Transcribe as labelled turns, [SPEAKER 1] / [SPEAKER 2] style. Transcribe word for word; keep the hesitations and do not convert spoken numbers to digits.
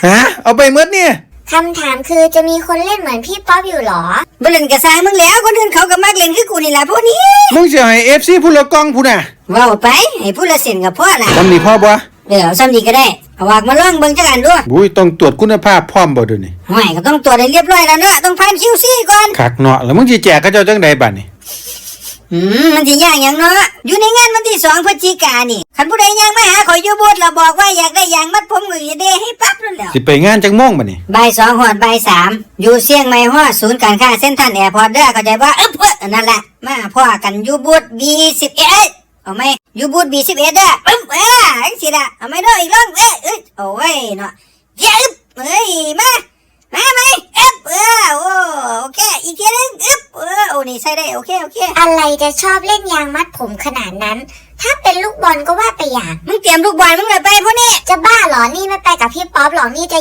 [SPEAKER 1] ฮะเอาไปเมื่อเนี่ย
[SPEAKER 2] คำถามคือจะมีคนเล่นเหมือนพี่ป๊อปอยู่หรอ
[SPEAKER 3] บ่เล่นกระซายมึงแล้วคนอื่นเขาก็มักเล่นคือกูนี่แหละพวกนี้
[SPEAKER 1] มึงจะให้ เอฟ ซี ผู้ละกองผู้น่ะ
[SPEAKER 3] เว้าไปให้ผู้ละเส้นกับพ่อน่ะ
[SPEAKER 1] ทำนี่พ่อบ่
[SPEAKER 3] เดี๋ยวซ้ำนี่ก็ได้เอาวากมาลองเบิ่งจักอันดู
[SPEAKER 1] บุ้ยต้องตรวจคุณภาพพร้อมบ่เดี๋ยวนี้
[SPEAKER 3] ไม่ก็ต้องตรวจให้เรียบร้อยแล้วเนอะต้องผ่าน คิว ซี ก่อน
[SPEAKER 1] คักเนาะแล้วมึงสิแจกเขาเจ้าจังไดบัดนี้
[SPEAKER 3] อืมมันสิยากหยังเนาะอยู่ในงานวันที่สองพฤศจิกายนนี่คันผู้ใดยังมาหาข่อยอยู่บูธแล้วบอกว่าอยากได้ยางมัดผมก็สิได้ให้ปั๊บนั่นแหละ
[SPEAKER 1] สิไปงานจังโมงบัดนี้
[SPEAKER 3] บ่ายสองฮอดบ่ายสามอยู่เชียงใหม่ฮอดศูนย์การค้าเซ็นทรัลแอร์พอร์ตเด้อเข้าใจบ่อึ๊บเอ้อนั่นแหละมาพ้อกันอยู่บูธ บี สิบเอ็ด เอาไหมอยู่บูธ บี สิบเอ็ด เด้ออึ๊บเอ้อจังซี่ล่ะเอาไหมเด้ออีกรอบเอ้ยเอ้ยโอ้ยเนาะเย้อึ๊บเอ้ยมามาไหมอึ๊บเออโอ้โอเคอีกทีนึงอึ๊บเออโอ้นี่ใส่ได้โอเคโอเค
[SPEAKER 2] อะไรจะชอบเล่นยางมัดผมขนาดนั้นถ้าเป็นลูกบอลก็ว่าไปอย่าง
[SPEAKER 3] มึงเตรียมลูกบอลมึงเลยไปพวกนี้
[SPEAKER 2] จะบ้าหรอนี่ไม่ไปกับพี่ป๊อปหรอกนี่จะ